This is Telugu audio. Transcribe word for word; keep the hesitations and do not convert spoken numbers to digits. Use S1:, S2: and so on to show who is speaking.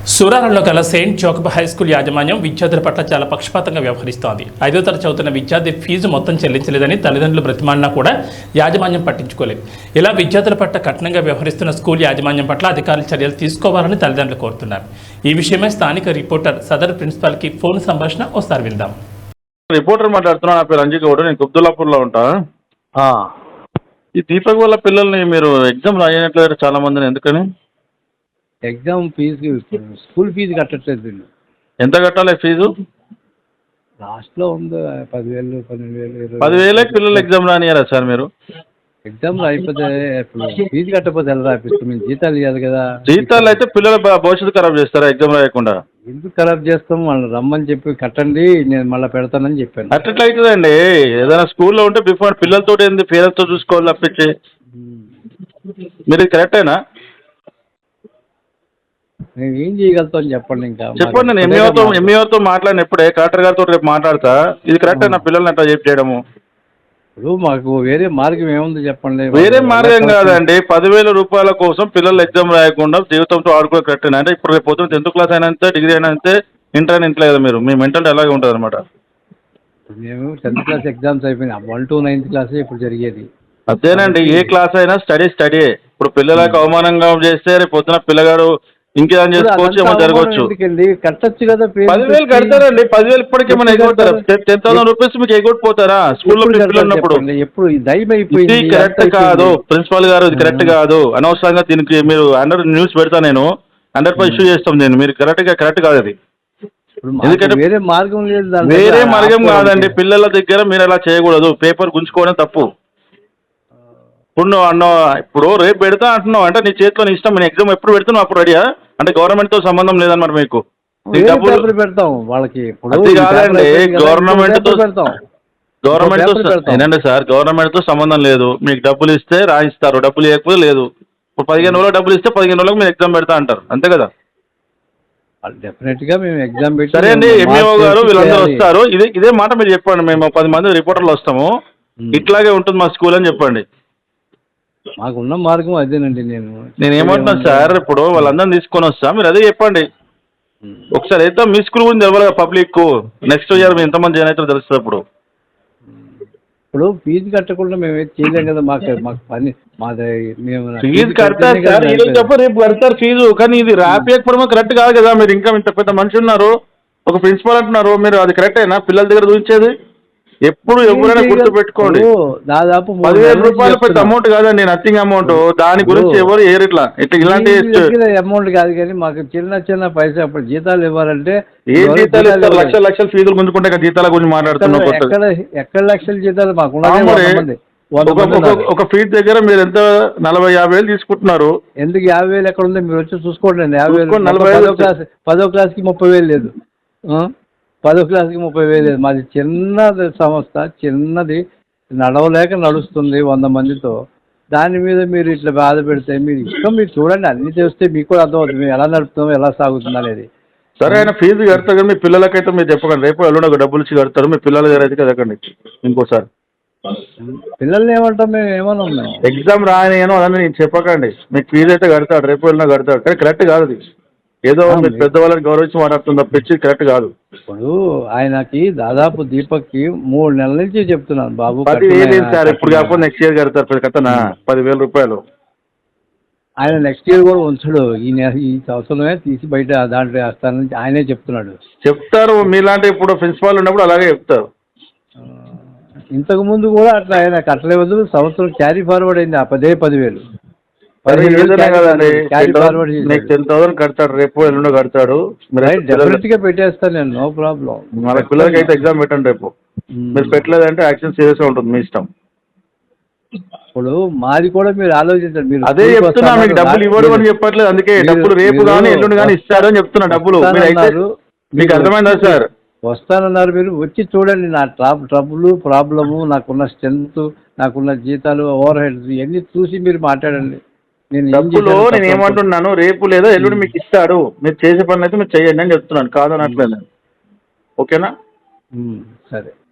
S1: సూరారంలో గల సెయింట్ జోకబ్ హై స్కూల్ యాజమాన్యం విద్యార్థుల పట్ల చాలా పక్షపాతంగా వ్యవహరిస్తోంది. ఐదో తరగతి చదువుతున్న విద్యార్థి ఫీజు మొత్తం చెల్లించలేదని తల్లిదండ్రులు బ్రతిమాలినా కూడా యాజమాన్యం పట్టించుకోలేదు. ఇలా విద్యార్థుల పట్ల కఠినంగా వ్యవహరిస్తున్న స్కూల్ యాజమాన్యం పట్ల అధికారులు చర్యలు తీసుకోవాలని తల్లిదండ్రులు కోరుతున్నారు. ఈ విషయమై స్థానిక రిపోర్టర్ సదర్ ప్రిన్సిపాల్కి ఫోన్ సంభాషణ ఒకసారి విందాం.
S2: రిపోర్టర్ మాట్లాడుతున్నా. నా పేరు రంజిత్ గౌడ్. నేను కుబ్దుల్లాపూర్లో ఉంటా. ఈ దీపక్ వాళ్ళ పిల్లల్ని మీరు ఎగ్జామ్ రాయనట్లేదు చాలా మందిని, ఎందుకని?
S3: ఎగ్జామ్ ఫీజు స్కూల్ ఫీజు కట్టట్లేదు వీళ్ళు.
S2: ఎంత కట్టాలి ఫీజు?
S3: లాస్ట్లో ఉంది పదివేలు పన్నెండు వేలు ఇరవై
S2: పదివేలకి పిల్లలు ఎగ్జామ్ రానియారా సార్ మీరు?
S3: ఎగ్జామ్ అయిపోతే ఇప్పుడు ఫీజు కట్టకపోతే ఎలా రాపిస్తాం? మేము జీతాలు ఇవ్వాలి కదా.
S2: జీతాలు అయితే పిల్లల భవిష్యత్తు ఖరాబ్ చేస్తారా ఎగ్జామ్ రాయకుండా?
S3: ఎందుకు ఖరాబ్ చేస్తాం? వాళ్ళు రమ్మని చెప్పి కట్టండి, నేను మళ్ళీ పెడతానని చెప్పాను.
S2: అట్లా అవుతుందండి. ఏదైనా స్కూల్లో ఉంటే బిఫోర్ పిల్లలతో ఏంది పేరెంట్స్తో చూసుకోవాలి తప్పించి. మీరు ఇది కరెక్టేనా?
S3: మేము ఏం చేయగలుగుతాం చెప్పండి. ఇంకా
S2: చెప్పండి. నేను ఎంఈఓతో ఎంఈఓతో మాట్లాడినప్పుడే కలెక్టర్ గారితో రేపు మాట్లాడతా. ఇది కరెక్టే నా పిల్లల్ని అట్లా చెప్పి చేయడము?
S3: ఇప్పుడు మాకు వేరే మార్గం ఏముంది చెప్పండి.
S2: వేరే మార్గం కాదండి. పదివేల రూపాయల కోసం పిల్లలు ఎగ్జామ్ రాయకుండా జీవితంతో ఆడుకో కరెక్టేనా? అంటే ఇప్పుడు రేపు పొద్దున్న టెన్త్ క్లాస్ అయినా అంతే, డిగ్రీ అయినా అంతే, ఇంటర్ అయినా ఇంట్లో కదా మీరు. మీ మెంటాలిటీ అలాగే ఉంటుంది అనమాట.
S3: మేము టెన్త్ క్లాస్ ఎగ్జామ్స్ అయిపోయినాయి. వన్ టు నైన్త్ క్లాసే ఇప్పుడు జరిగేది.
S2: అదేనండి. ఏ క్లాస్ అయినా స్టడీ స్టడీ. ఇప్పుడు పిల్లలకు అవమానంగా చేస్తే రేపు పొద్దున పిల్లగాడు ఇంకేం చేసుకోవచ్చు, ఏమో జరగవచ్చు.
S3: కట్టచ్చు కదా.
S2: పదివేలు కడతారండి. పదివేలు ఇప్పటికి ఏమైనా ఎగొడతారా? టెన్ థౌసండ్ రూపీస్ మీకు ఎగొట్టిపోతారా స్కూల్లో పిల్లలు ఉన్నప్పుడు?
S3: ఎప్పుడు దయమైపోయింది.
S2: కరెక్ట్ కాదు ప్రిన్సిపాల్ గారు, ఇది కరెక్ట్ కాదు. అనవసరంగా దీనికి మీరు అండర్ న్యూస్ పెడతా, నేను హండ్రెడ్ పర్సెంట్ ఇష్యూ చేస్తాం. నేను మీరు కరెక్ట్ గా కరెక్ట్ కాదు అది. ఎందుకంటే
S3: వేరే మార్గం లేదు.
S2: వేరే మార్గం కాదండి. పిల్లల దగ్గర మీరు అలా చేయకూడదు. పేపర్ గుంజుకోవడం తప్పు. ఇప్పుడు నువ్వు అన్నావు, ఇప్పుడు రేపు పెడతా అంటున్నావు అంటే నీ చేతిలో నీ ఇష్టం. నేను ఎగ్జామ్ ఎప్పుడు పెడుతున్నావు అప్పుడు రెడీయా? అంటే గవర్నమెంట్ తో సంబంధం లేదన్నమాట మీకు.
S3: డబ్బులు పెడతాం వాళ్ళకి.
S2: అది కాదండి. గవర్నమెంట్ తో గవర్నమెంట్ తో ఏంటంటే సార్, గవర్నమెంట్ తో సంబంధం లేదు. మీకు డబ్బులు ఇస్తే రాయిస్తారు, డబ్బులు ఇవ్వకపోతే లేదు. ఇప్పుడు పదిహేను రోజులు డబ్బులు ఇస్తే పదిహేను రోజులకు మీరు ఎగ్జామ్ పెడతా అంటారు, అంతే కదా?
S3: డెఫినెట్ గా మేము ఎగ్జామ్ పెట్టి.
S2: సరే అండి. ఎంఈఓ గారు వీళ్ళందరూ వస్తారు. ఇదే ఇదే మాట మీరు చెప్పండి. మేము పది మంది రిపోర్టర్లు వస్తాము, ఇట్లాగే ఉంటుంది మా స్కూల్ అని చెప్పండి.
S3: మాకున్న మార్గం అదేనండి. నేను
S2: నేను ఏమంటున్నాను సార్, ఇప్పుడు వాళ్ళందరినీ తీసుకొని వస్తా, మీరు అదే చెప్పండి. ఒకసారి అయితే మీ స్కూల్ గురించి తెలవాలి పబ్లిక్. నెక్స్ట్ ఇయర్ మీరు ఎంతమంది జాయిన్ అవుతారో తెలుస్తుంది. అప్పుడు
S3: ఇప్పుడు ఫీజు కట్టకుండా మేము ఏం చేయలేం కదా. మాకు మాకు పని మాది. మేము
S2: ఫీజు కడతారు సార్, ఈరోజు చెప్ప రేపు కడతారు ఫీజు. కానీ ఇది రాపియకపోవడం కరెక్ట్ కాదు కదా. మీరు ఇంకా ఇంత పెద్ద మనిషి ఉన్నారు, ఒక ప్రిన్సిపాల్ అంటున్నారు, మీరు అది కరెక్టేనా? పిల్లల దగ్గర చూపించేది ఎప్పుడు ఎవరైనా గుర్తు పెట్టుకోండి.
S3: దాదాపు
S2: పదివేల రూపాయలు పెద్ద అమౌంట్ కాదండి, నథింగ్ అమౌంట్. దాని గురించి ఎవరు ఏరు ఇట్లా ఇట్లా ఇలాంటి
S3: అమౌంట్ కాదు. కానీ మాకు చిన్న చిన్న పైసా అప్పుడు జీతాలు ఇవ్వాలంటే
S2: ఏ జీతాలు ఇస్తారు? లక్షల లక్షల ఫీజులు గుంజుకుంటే జీతాల గురించి మాట్లాడుతున్నాం.
S3: ఎక్కడ ఎక్కడ లక్షల జీతాలు మాకు?
S2: ఒక ఫీజు దగ్గర మీరు ఎంత నలభై యాభై వేలు తీసుకుంటున్నారు.
S3: ఎందుకు యాభై వేలు ఎక్కడ ఉందో మీరు వచ్చి చూసుకోండి. యాభై వేలు నలభై పదో క్లాస్ పదో క్లాస్కి ముప్పై వేలు లేదు. పదో క్లాస్కి ముప్పై వేలు లేదు. మాది చిన్నది సంస్థ, చిన్నది, నడవలేక నడుస్తుంది వంద మందితో. దాని మీద మీరు ఇట్లా బాధ పెడితే మీరు ఇష్టం. మీరు చూడండి, అన్ని చేస్తే మీకు కూడా అర్థమవుతుంది మేము ఎలా నడుపుతాం, ఎలా సాగుతుంది అనేది.
S2: సరే ఆయన ఫీజు కడతారు కానీ మీ పిల్లలకైతే మీరు చెప్పకండి. రేపు ఎల్లుండి ఒక డబ్బులు ఇచ్చి కడతారు, మీ పిల్లల దగ్గర అయితే కదకండి. ఇంకోసారి
S3: పిల్లల్ని ఏమంటాం మేము? ఏమన్నా మేము
S2: ఎగ్జామ్ రాయను అదని నేను చెప్పకండి. మీకు ఫీజు అయితే కడతాడు, రేపు వెళ్ళినా కడతాడు. కానీ కరెక్ట్ కాదు అది. ఏదో మీరు పెద్దవాళ్ళని గౌరవించి మాట్లాడుతుంది తప్పించి కరెక్ట్ కాదు.
S3: ఇప్పుడు ఆయనకి దాదాపు దీపక్కి మూడు నెలల నుంచి చెప్తున్నాను బాబు.
S2: సార్ ఇప్పుడు కాకపోతే నెక్స్ట్ ఇయర్ కడతారు కథనా పదివేల రూపాయలు.
S3: ఆయన నెక్స్ట్ ఇయర్ కూడా ఉంచడు. ఈ ఈ సంవత్సరమే తీసి బయట దాంట్లో వేస్తానని ఆయనే చెప్తున్నాడు.
S2: చెప్తారు మీలాంటి ఇప్పుడు ప్రిన్సిపాల్ ఉన్నప్పుడు అలాగే చెప్తారు.
S3: ఇంతకు ముందు కూడా అట్లా ఆయన కట్టలేదు. సంవత్సరం క్యారీ ఫార్వర్డ్ అయింది ఆ పదే పదివేలు.
S2: టెన్ థౌసండ్ కడతాడు, రేపు ఎల్లుండో కడతాడు.
S3: డెఫినెట్ గా పెట్టేస్తాను నేను, నో ప్రాబ్లం.
S2: మన పిల్లలకి అయితే ఎగ్జామ్ పెట్టండి రేపు. మీరు పెట్టలేదంటే యాక్షన్ సీరియస్ గా ఉంటుంది మీ ఇష్టం.
S3: ఇప్పుడు మాది కూడా మీరు ఆలోచించండి. మీరు
S2: అదే చెప్తున్నా, మీకు డబ్బులు ఇవ్వడం అని చెప్పట్లేదు. అందుకే డబ్బులు రేపు కానీ ఎల్లుండి కానీ ఇస్తారు అని చెప్తున్నా. డబ్బులు మీకు అర్థమైందా సార్?
S3: వస్తానన్నారు. మీరు వచ్చి చూడండి నా ట్రాప్ ట్రబుల్ ప్రాబ్లము, నాకున్న స్ట్రెంత్, నాకున్న జీతాలు, ఓవర్ హెడ్స్ ఇవన్నీ చూసి మీరు మాట్లాడండి.
S2: డబ్బులు నేను ఏమంటున్నాను, రేపు లేదా ఎల్లుండి మీకు ఇస్తాడు. మీరు చేసే పనులు అయితే మీరు చెయ్యండి అని చెప్తున్నాను, కాదనట్లేదు. ఓకేనా?
S3: సరే.